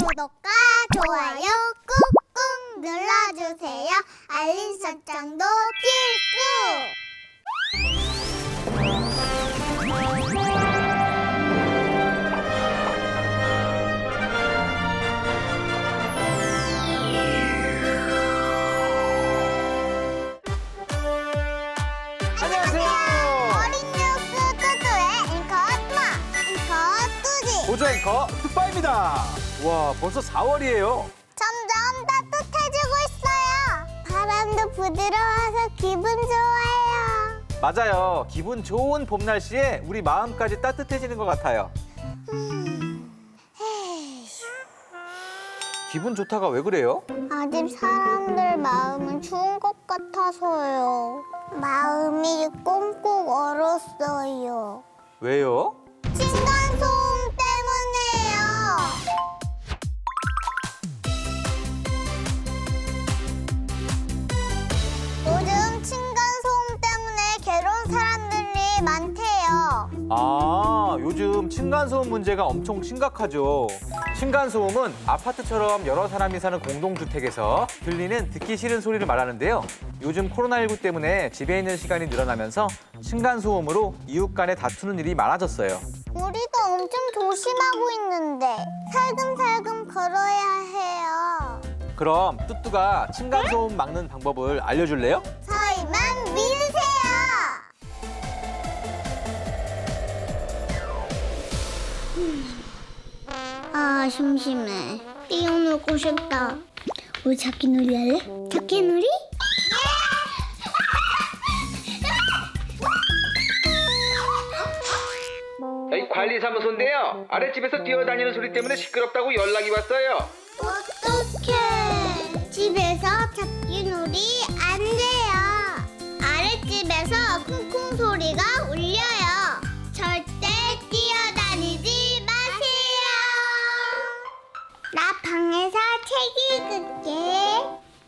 구독과 좋아요 꾹꾹 눌러주세요. 알림 설정도 필수. 안녕하세요. 어린 뉴스 뚜뚜의 앵커 뚜아, 앵커 뚜지. 보조 앵커 뚜빠입니다. 와, 벌써 4월이에요. 점점 따뜻해지고 있어요. 바람도 부드러워서 기분 좋아요. 맞아요. 기분 좋은 봄 날씨에 우리 마음까지 따뜻해지는 것 같아요. 기분 좋다가 왜 그래요? 아직 사람들 마음은 추운 것 같아서요. 마음이 꽁꽁 얼었어요. 왜요? 층간소음 때문에요. 요즘 층간소음 때문에 괴로운 사람들이 많대요. 아, 요즘 층간소음 문제가 엄청 심각하죠. 층간소음은 아파트처럼 여러 사람이 사는 공동주택에서 들리는 듣기 싫은 소리를 말하는데요. 요즘 코로나19 때문에 집에 있는 시간이 늘어나면서 층간소음으로 이웃 간에 다투는 일이 많아졌어요. 우리도 엄청 조심하고 있는데 살금살금 걸어야 해요. 그럼 뚜뚜가 층간소음 막는 방법을 알려줄래요? 저희만 믿으세요. 아, 심심해. 뛰어놀고 싶다. 우리 잡기놀이 할래? 잡기놀이? 여기 관리사무소인데요. 아랫집에서 뛰어다니는 소리 때문에 시끄럽다고 연락이 왔어요. 어떡해. 집에서 잡기놀이 안 돼요. 아랫집에서 쿵쿵 소리가 울려요. 절대 뛰어다니지 마세요. 나 방에서 책 읽을게.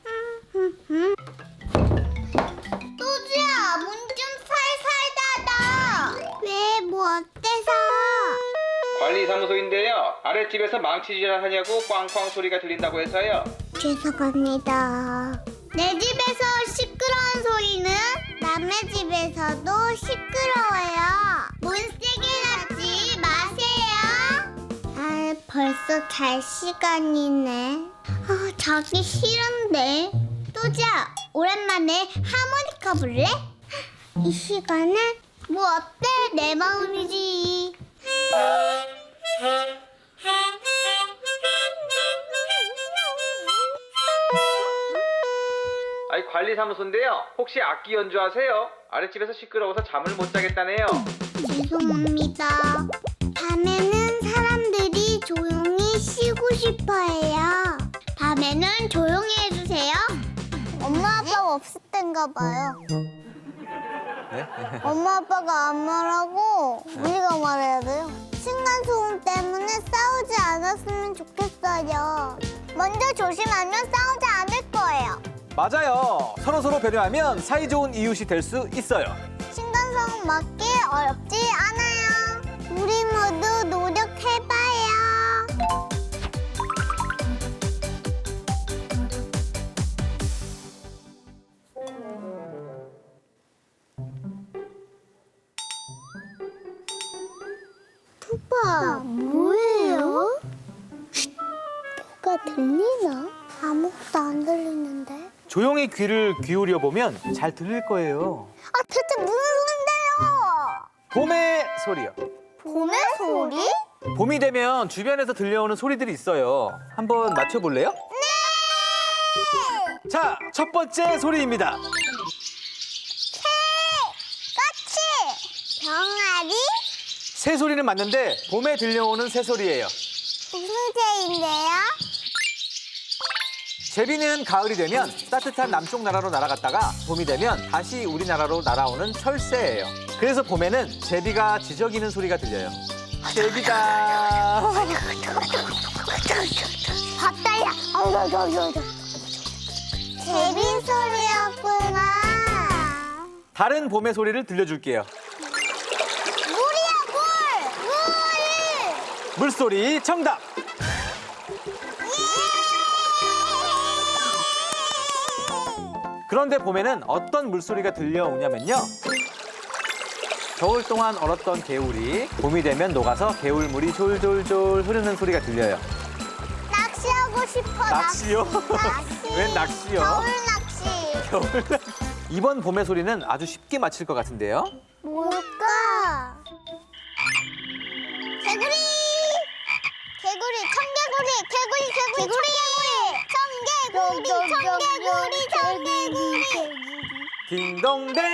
또지야, 문 좀 살살 닫아. 왜, 뭐 어때서? 관리사무소인데요. 아랫집에서 망치질을 하냐고 꽝꽝 소리가 들린다고 해서요. 죄송합니다. 내 집에서 시끄러운 소리는 남의 집에서도 시끄러워요. 문 세게 닫지 마세요. 아, 벌써 잘 시간이네. 아, 자기 싫은데. 또자, 오랜만에 하모니카 불래? 이 시간에 뭐 어때? 내 마음이지. 아이 관리사무소인데요. 혹시 악기 연주하세요? 아랫집에서 시끄러워서 잠을 못 자겠다네요. 죄송합니다. 밤에는 사람들이 조용히 쉬고 싶어해요. 밤에는 조용히 해주세요. 엄마 아빠가 없을 땐가 봐요. 네? 엄마 아빠가 안 말하고 우리가 말해야 돼요. 층간소음 때문에 싸우지 않았으면 좋겠어요. 먼저 조심하면 싸우지 않을 거예요. 맞아요. 서로서로 배려하면 사이좋은 이웃이 될 수 있어요. 층간소음 막기 어렵지 않아요. 우리 모두 노력해봐요. 푸파, 뭐예요? 뭐가 들리나? 아무것도 안 들리는데. 조용히 귀를 기울여 보면 잘 들릴 거예요. 아, 대체 무슨 소린데요? 봄의 소리요. 봄의 소리? 봄이 되면 주변에서 들려오는 소리들이 있어요. 한번 맞춰볼래요? 네! 자, 첫 번째 소리입니다. 까치! 병아리? 새 소리는 맞는데 봄에 들려오는 새 소리예요. 무슨 새인데요? 제비는 가을이 되면 따뜻한 남쪽 나라로 날아갔다가 봄이 되면 다시 우리나라로 날아오는 철새예요. 그래서 봄에는 제비가 지저귀는 소리가 들려요. 제비다. 봤다야. 제비 소리였구나. 다른 봄의 소리를 들려줄게요. 물이야, 물! 물! 물소리 정답. 그런데 봄에는 어떤 물소리가 들려오냐면요. 겨울 동안 얼었던 개울이 봄이 되면 녹아서 개울물이 졸졸졸 흐르는 소리가 들려요. 낚시하고 싶어. 낚시요? 낚시. 웬 낚시요? 겨울 낚시. 겨울 낚시. 이번 봄의 소리는 아주 쉽게 맞힐 것 같은데요. 뭘까? 개구리! 개구리, 청개구리, 청개구리, 청개구리. 딩동댕!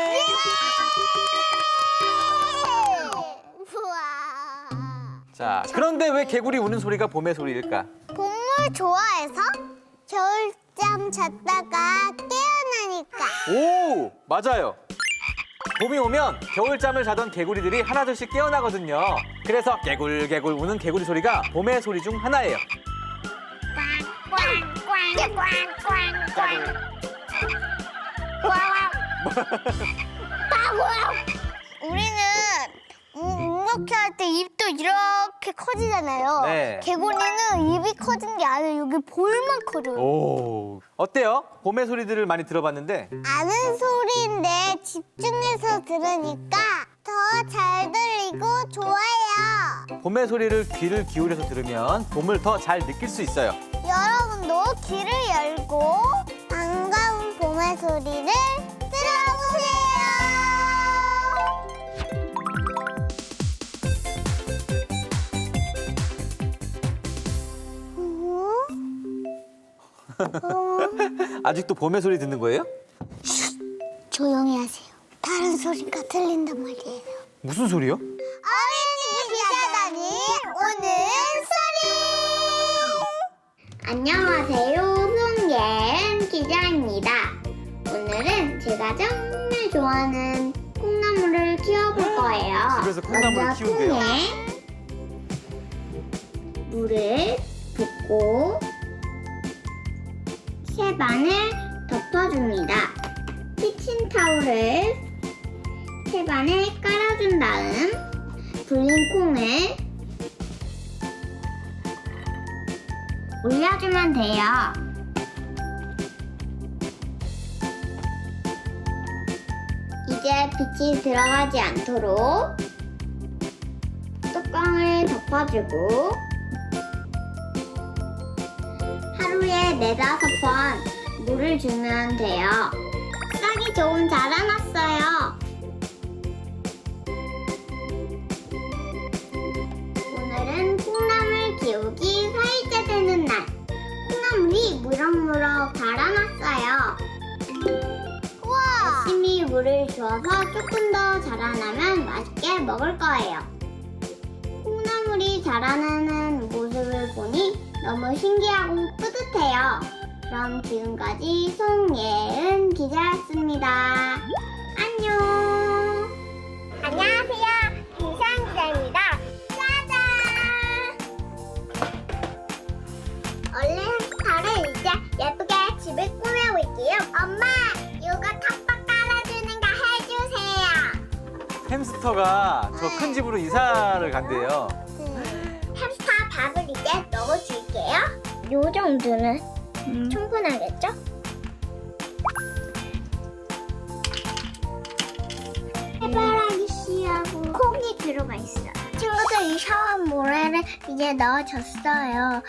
우와. 자, 그런데 왜 개구리 우는 소리가 봄의 소리일까? 봄물 좋아해서 겨울잠 잤다가 깨어나니까. 오, 맞아요. 봄이 오면 겨울잠을 자던 개구리들이 하나둘씩 깨어나거든요. 그래서 개굴개굴 우는 개구리 소리가 봄의 소리 중 하나예요. 우리는 이렇게 할 때 입도 이렇게 커지잖아요. 네. 개구리는 입이 커진 게 아니라 여기 볼만 커져요. 오, 어때요? 봄의 소리들을 많이 들어봤는데 아는 소리인데 집중해서 들으니까 더 잘 들리고 좋아요. 봄의 소리를 귀를 기울여서 들으면 봄을 더 잘 느낄 수 있어요. 여러분도 귀를 열고 반가운 봄의 소리를 들어보세요. 아직도 봄의 소리 듣는 거예요? 조용히 하세요. 다른 소리가 들린단 말이에요. 무슨 소리요? 어린이 기자단이 오는 소리! 안녕하세요. 송예은 기자입니다. 오늘은 제가 정말 좋아하는 콩나물을 키워볼 거예요. 집에서 콩나물을 먼저 키운대요. 콩에 물을 붓고 채반을 덮어줍니다. 키친타올을 채반에 깔아준 다음 불린 콩을 올려주면 돼요. 이제 빛이 들어가지 않도록 뚜껑을 덮어주고 하루에 4~5번 물을 주면 돼요. 싹이 조금 자라났어요. 오늘은 콩나물 키우기 4일째 되는 날. 콩나물이 무럭무럭 자라났어요. 우와! 열심히 물을 주어서 조금 더 자라나면 맛있게 먹을 거예요. 콩나물이 자라나는 모습을 보니 너무 신기하고 뿌듯해요. 그럼 지금까지 송예은 기자였습니다. 안녕. 안녕하세요. 김시안 기자입니다. 짜잔. 얼른 햄스터를 이제 예쁘게 집을 꾸며볼게요. 엄마, 이거 탑박 깔아주는 거 해주세요. 햄스터가 저 큰 집으로 이사를 간대요. 햄스터 밥을 이제 넣어줄게요. 요 정도는 충분하겠죠? 해바라기 씨하고 콩이 들어가 있어요. 친구들 이 샤워 모래를 이제 넣어줬어요.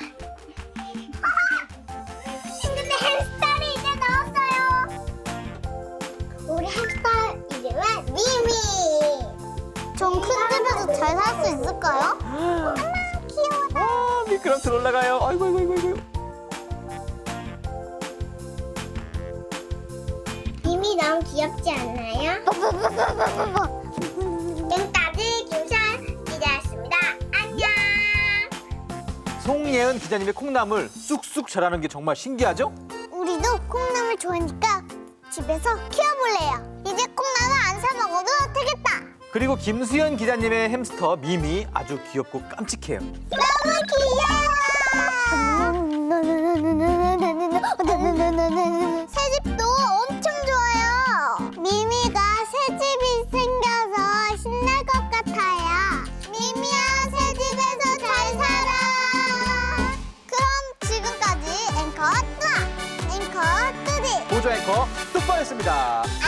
근데 햄스터를 이제 넣었어요. 우리 햄스터 이름은 미미. 전 큰 집에서 잘 살 수 있을까요? 엄마 귀여워. 아, 미끄럼틀 올라가요. 아이고, 아이고, 아이고, 아이고. 미미 너무 귀엽지 않나요? 지금까지 김시안 기자였습니다. 안녕. 송예은 기자님의 콩나물 쑥쑥 자라는 게 정말 신기하죠? 우리도 콩나물 좋아하니까 집에서 키워볼래요. 이제 콩나물 안 사 먹어도 되겠다. 그리고 김수현 기자님의 햄스터 미미 아주 귀엽고 깜찍해요. 너무 귀여워. 새집도 엄청 좋아요. 미미가 새집이 생겨서 신날 것 같아요. 미미야, 새집에서 잘 살아. 그럼 지금까지 앵커 뚜아, 앵커 뚜디. 보조 앵커 하겠습니다.